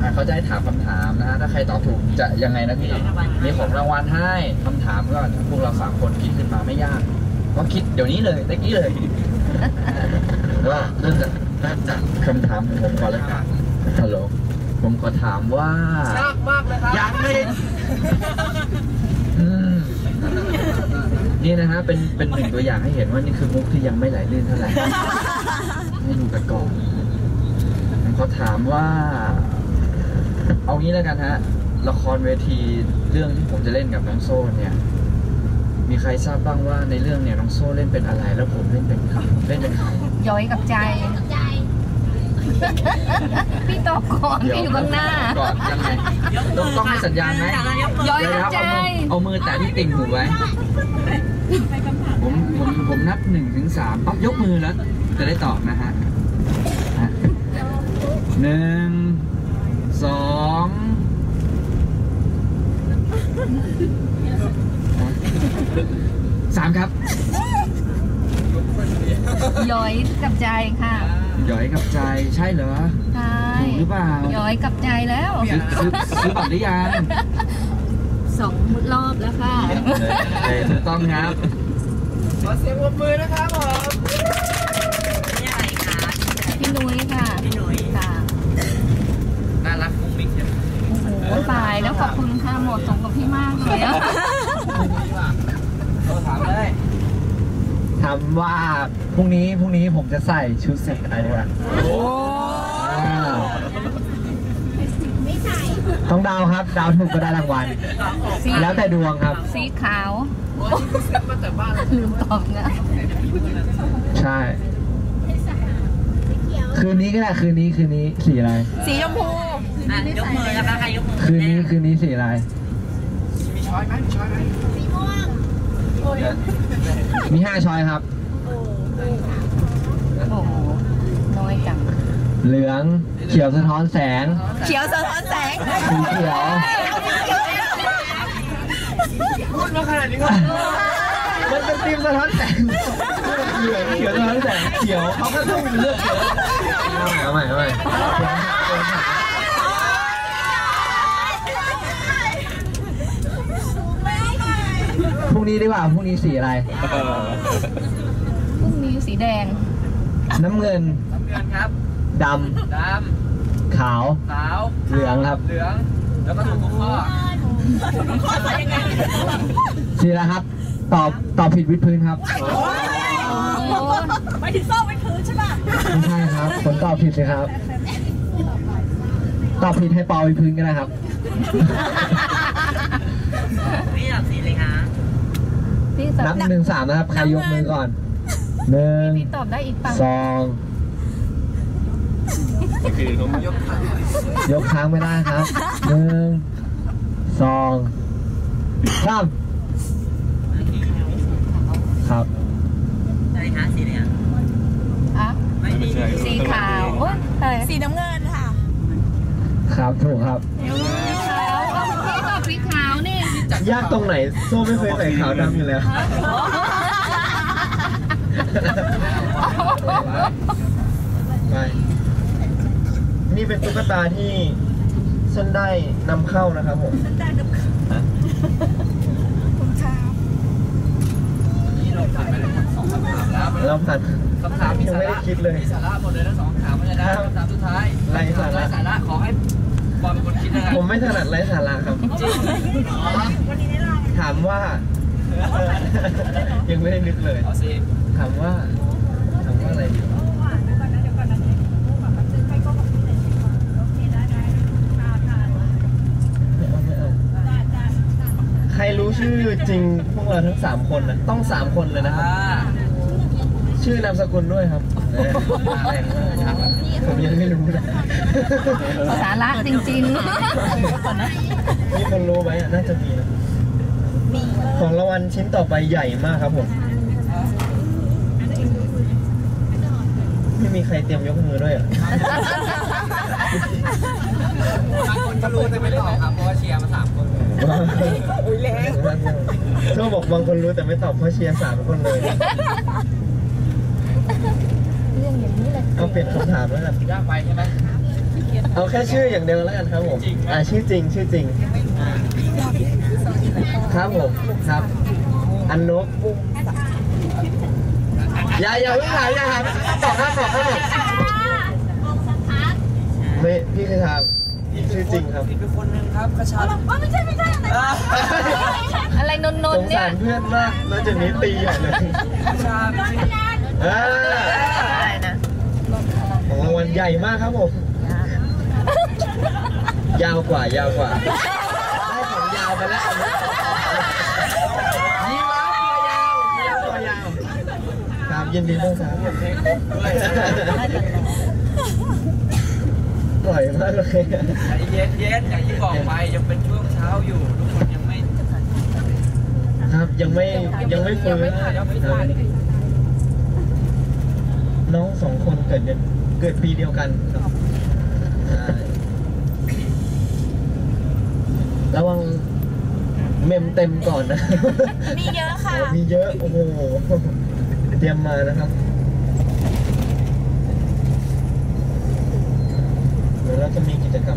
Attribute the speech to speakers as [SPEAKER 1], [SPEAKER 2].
[SPEAKER 1] เขาจะให้ถามคำถามนะฮะถ้าใครตอบถูกจะยังไงนะพี่มีของรางวัลให้คำถามก็พวกเรา3 คนคิดขึ้นมาไม่ยากก็คิดเดี๋ยวนี้เลยตะกี้เลยว่าเริ่มจากคำถามของผมก่อนแล้วกันฮัลโหลผมขอถามว่ายากมากเลยครับยังไม่นี่นะฮะเป็น1 ตัวอย่างให้เห็นว่านี่คือมุกที่ยังไม่ไหลลื่นเท่าไหร่ให้ดูกันก่อนเขาถามว่าเอางี้แล้วกันฮะละครเวทีเรื่องที่ผมจะเล่นกับน้องโซ่เนี่ยมีใครทราบบ้างว่าในเรื่องเนี่ยน้องโซ่เล่นเป็นอะไรแล้วผมเล่นเป็นใคร
[SPEAKER 2] ย้อยกับใจพี่ตอบก่อนพี่อยู่ข้างหน้า
[SPEAKER 1] ก่อนยังไงต้องให้สัญญาณไหม
[SPEAKER 2] ย้อยกับใจ
[SPEAKER 1] เอามือแตะที่ติ่งหูไว้ผมนับ1 ถึง 3ปั๊บยกมือแล้วจะได้ตอบนะฮะ1 2 3ครับ
[SPEAKER 2] ย้อยกับใจค่ะ
[SPEAKER 1] ย้อยกับใจใช่เหรอ
[SPEAKER 2] ใช่
[SPEAKER 1] ถูกหรือเปล่า
[SPEAKER 2] ย้อยกับใจแล้ว
[SPEAKER 1] ซื้อบัตรหรือยัง
[SPEAKER 2] 2 รอบแล้วค่ะ
[SPEAKER 1] ถูกต้องครับขอเสียงปรบมือนะครับผม
[SPEAKER 2] นี่อะไรคะพี่นุ้ยค่ะ
[SPEAKER 3] พี่นุ้ย
[SPEAKER 2] ค่ะ
[SPEAKER 1] น่ารักมุ้งมิ้งเนี่ย
[SPEAKER 2] โอ้โหตายแล้วขอบคุณค่ะหมดสมกับพี่มากเลยอะ
[SPEAKER 1] ถามเลยถามว่าพรุ่งนี้ผมจะใส่ชุดเสกอะไรดีกว่าโอ้ต้องดาวครับดาวถูกก็ได้รางวัลแล้วแต่ดวงครับ
[SPEAKER 2] สีขาวลืมตอบนะ
[SPEAKER 1] ใช่คืนนี้ก็ได้คืนนี้สีอะไร
[SPEAKER 2] สีชมพู
[SPEAKER 3] ยกมือแล้วค่ะยกมือ
[SPEAKER 1] คืนนี้สีอะไรมีช้อยไหม
[SPEAKER 3] สีม่วง
[SPEAKER 1] มี5 ช้อยครับ
[SPEAKER 2] โอ้โหน้อยจัง
[SPEAKER 1] เหลืองเขียวสะท้อนแสง
[SPEAKER 2] เขียวสะท้อนแสง
[SPEAKER 1] สีเขียวพูดมาขนาดนี้ก็มันเป็นทีมสะท้อนแสงเหลืองเขียวสะท้อนแสงเขียวเขาก็ต้องเลือกเอาใหม่พรุ่งนี้ดีกว่าพรุ่งนี้สีอะไร
[SPEAKER 2] พรุ่งนี้สีแดง
[SPEAKER 1] น้ำเงินครับดำขาวเหลืองครับเหลืองแล้วก็ถูกทุกข้อสีอะไรครับตอบผิดวิดพื้นครับ
[SPEAKER 3] ไม่ถึงโซ่วิดพื้นใช่ป่ะ
[SPEAKER 1] ไม่ใช่ครับผมตอบผิดเลยครับตอบผิดให้ปอวิดพื้นก็ได้ครับ
[SPEAKER 3] นี่ตอบสีเลยคะ
[SPEAKER 1] นับ1 ถึง 3นะครับใครยกมือก่อน1
[SPEAKER 2] พี่ตอบได้อีกปัง
[SPEAKER 1] 2คือเขายกค้างไม่ได้ครับ1 2 3ครับ
[SPEAKER 3] อะไรคะสีเนี่ย
[SPEAKER 2] สีขาวโอ้ย
[SPEAKER 3] สีน้ำเงินค่ะ
[SPEAKER 1] ครับถูกครับ
[SPEAKER 2] ขาวพี่ตอบสีขาวนี่
[SPEAKER 1] ยากตรงไหนโซ่ไม่เคยใส่ขาวดำอยู่แล้วไปนี่เป็นตุ๊กตาที่ฉันได้นำเข้านะครับผมฉันได้นำเข้า
[SPEAKER 3] คุณชา
[SPEAKER 1] นี่เราผ่านไปแล้ว2 คำถามแล้วคำถามยังไม่ได้คิดเลยมีสาระหมดเลยนะ2 คำถามไม่ได้คำถามสุดท้ายไร้สาระขอให้บอลเป็นคนคิดนะครับผมไม่ถนัดไร้สาระครับจริงถามว่ายังไม่ได้นึกเลยถามว่าอะไรดีใครรู้ชื่อจริงพวกเราทั้ง3 คนนะต้อง3 คนเลยนะครับชื่อนามสกุลด้วยครับผมยังไม่รู้นะ
[SPEAKER 2] สาระจริงๆ
[SPEAKER 1] มีคนรู้ไหมน่าจะมีนะของรางวัลชิ้นต่อไปใหญ่มากครับผมไม่มีใครเตรียมยกมือด้วยอ่ะบางคนก็รู้แต่ไม่ตอบครับเพราะว่าเชียร์มา3 คนอุ้ยแรงโซ่บอกบางคนรู้แต่ไม่ตอบเพราะเชียร์3 คนเลย
[SPEAKER 2] เรื่องอย่างนี้เลย
[SPEAKER 1] เอาเปลี่ยนคำถามแล้วกันยากไปใช่ไหม
[SPEAKER 4] เอาแค่ชื่ออย่างเดียวแล้วกันครับผมชื่อจริงครับผมครับอันนกอย่าเพิ่งถามบอกไม่พี่เคยถามชื่อจริงครับ
[SPEAKER 3] ผิดไปคนนึงครับกระชาก
[SPEAKER 2] ไม่ใช่อะไรนน
[SPEAKER 4] ส
[SPEAKER 2] ท์
[SPEAKER 4] ง
[SPEAKER 2] เนี่
[SPEAKER 4] สาย รเพื่อนมากแล้วจะนี้ตีใหญ่เลย
[SPEAKER 3] กระชาก
[SPEAKER 2] อะไรนะ
[SPEAKER 4] ของรางวัลใหญ่มากครับผมยาวกว่าได้ของยาวไปแล้วยีราฟตัวยาวครับยินดีด้วยครับปล่อยมากเลย
[SPEAKER 3] ใจเย็นอย่างที่บอกไปยังเป็นช่วงเช้าอยู่ทุกคนยังไม่
[SPEAKER 4] ครับยังไม่ฟื้นน้อง2 คนเกิดปีเดียวกันครับระวังเมมเต็มก่อนนะ
[SPEAKER 3] มีเยอะค่ะ
[SPEAKER 4] มีเยอะโอ้โหเตรียมมานะครับเดี๋ยวเราจะมีกิจกรรม